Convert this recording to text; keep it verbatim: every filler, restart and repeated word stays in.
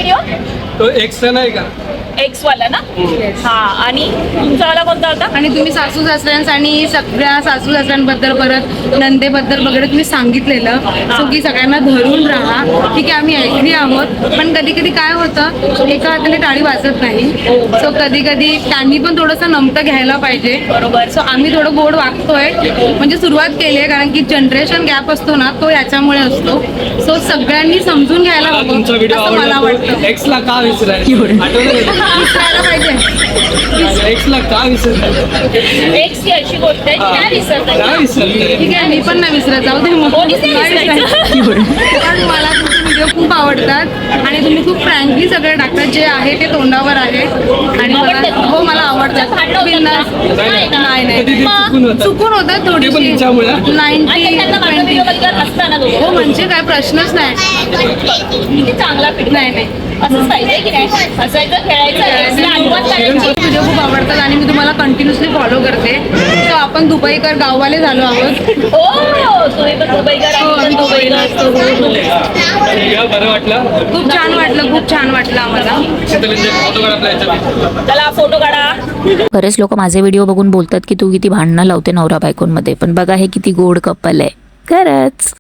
Video? तो एक्सचा नाही का? एक्स वाला ना? हा. आणि तुमचा वाला कोणता होता? आणि तुम्ही सासू सासऱ्यांस आणि सगळ्या सासू सासऱ्यांबद्दल परत नंदेबद्दल वगैरे तुम्ही सांगितलेलं सो की सगळ्यांना धरून राहा. ठीक आहे आम्ही ऐकली आहोत, पण कधी कधी काय होतं एका हाताने टाळी वाजत नाही. सो कधी कधी त्यांनी पण थोडंसं नमतं घ्यायला पाहिजे. बरोबर. सो आम्ही थोडं गोड वागतोय, म्हणजे सुरुवात केली आहे, कारण की जनरेशन गॅप असतो ना तो याच्यामुळे असतो. सो सगळ्यांनी समजून घ्यायला मला तुमचा हवं व्हिडिओ असं मला आवडला. वाटतं. एक्सला का विसरायचं? आठवलं विसरायला पाहिजे. एक्सला का विसरायचं? एक्स ही अशी गोष्ट आहे की काय विसरता काय विसरलं? ठीक आहे मी पण नाही विसरत, जाऊ दे मग. कोणीच नाही नाही विसरायचं. विसरायचं. कारण मला तुमचे व्हिडिओ खूप आवडतात आणि तुम्ही खूप फ्रँकली सगळे टाकतात, जे आहे ते तोंडावर आहे आणि मला आवडतात? हो मला आवडतात. भांडणं होतात बिनधास्त. का? नाही ना. नाही कधी ते नाही चुकून होतं. चुकून होतात ते पण थोडीशी हिच्यामुळे? आणि नाईन्टी त्यांना माझा ट्वेंटी. व्हिडिओ बघितल्यावर हसता ना दोघं. हो म्हणजे काय प्रश्नच नाही. किती चांगला फिट. नाही नाही असंच पाहिजे की नाही? हसायचं, खेळायचं, एक्सला आठवण करायची. व्हिडिओ खूप आवडतात आणि मी तुम्हाला कंटिन्युअसली फॉलो करते. तर आपण दुबईकर गाववाले झालो आहोत. हो, तुम्ही पण दुबईकर हो, आहे, आम्ही पण दुबईला असतो. या, बरं वाटलं. खूप छान वाटलं, खूप छान वाटलं आम्हाला. शीतलींचे फोटो काढ आपल्या ह्याच्यात. चला फोटो काढा. बरेच लोक माझे व्हिडिओ बघून बोलतात की तू किती भांडणं लावते नवरा बायकोंमध्ये, पण बघा हे किती गोड कपल आहे खरंच.